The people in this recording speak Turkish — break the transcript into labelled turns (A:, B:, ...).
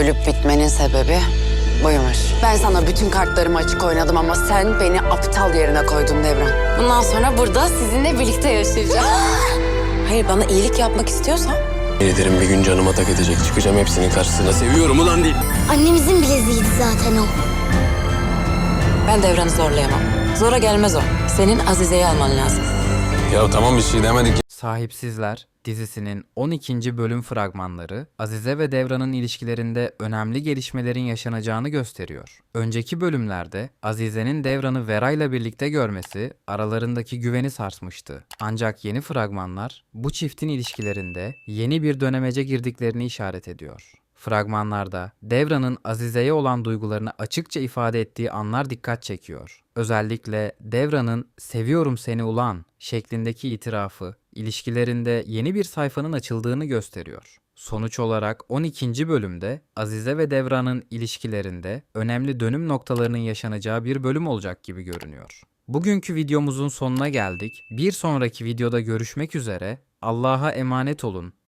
A: ölüp bitmenin sebebi buymuş. Ben sana bütün kartlarımı açık oynadım ama sen beni aptal yerine koydun Devran. Bundan sonra burada sizinle birlikte yaşayacağım. Hayır, bana iyilik yapmak istiyorsan.
B: Ederim bir gün canıma tak edecek. Çıkacağım hepsinin karşısına. Seviyorum ulan değil.
C: Annemizin bileziğiydi zaten o.
A: Ben Devran'ı zorlayamam. Zora gelmez o. Senin Azize'yi alman lazım.
B: Ya tamam bir şey demedik.
D: Sahipsizler dizisinin 12. bölüm fragmanları Azize ve Devran'ın ilişkilerinde önemli gelişmelerin yaşanacağını gösteriyor. Önceki bölümlerde Azize'nin Devran'ı Vera'yla birlikte görmesi aralarındaki güveni sarsmıştı. Ancak yeni fragmanlar bu çiftin ilişkilerinde yeni bir dönemece girdiklerini işaret ediyor. Fragmanlarda Devran'ın Azize'ye olan duygularını açıkça ifade ettiği anlar dikkat çekiyor. Özellikle Devran'ın "seviyorum seni ulan" şeklindeki itirafı ilişkilerinde yeni bir sayfanın açıldığını gösteriyor. Sonuç olarak 12. bölümde Azize ve Devran'ın ilişkilerinde önemli dönüm noktalarının yaşanacağı bir bölüm olacak gibi görünüyor. Bugünkü videomuzun sonuna geldik. Bir sonraki videoda görüşmek üzere. Allah'a emanet olun.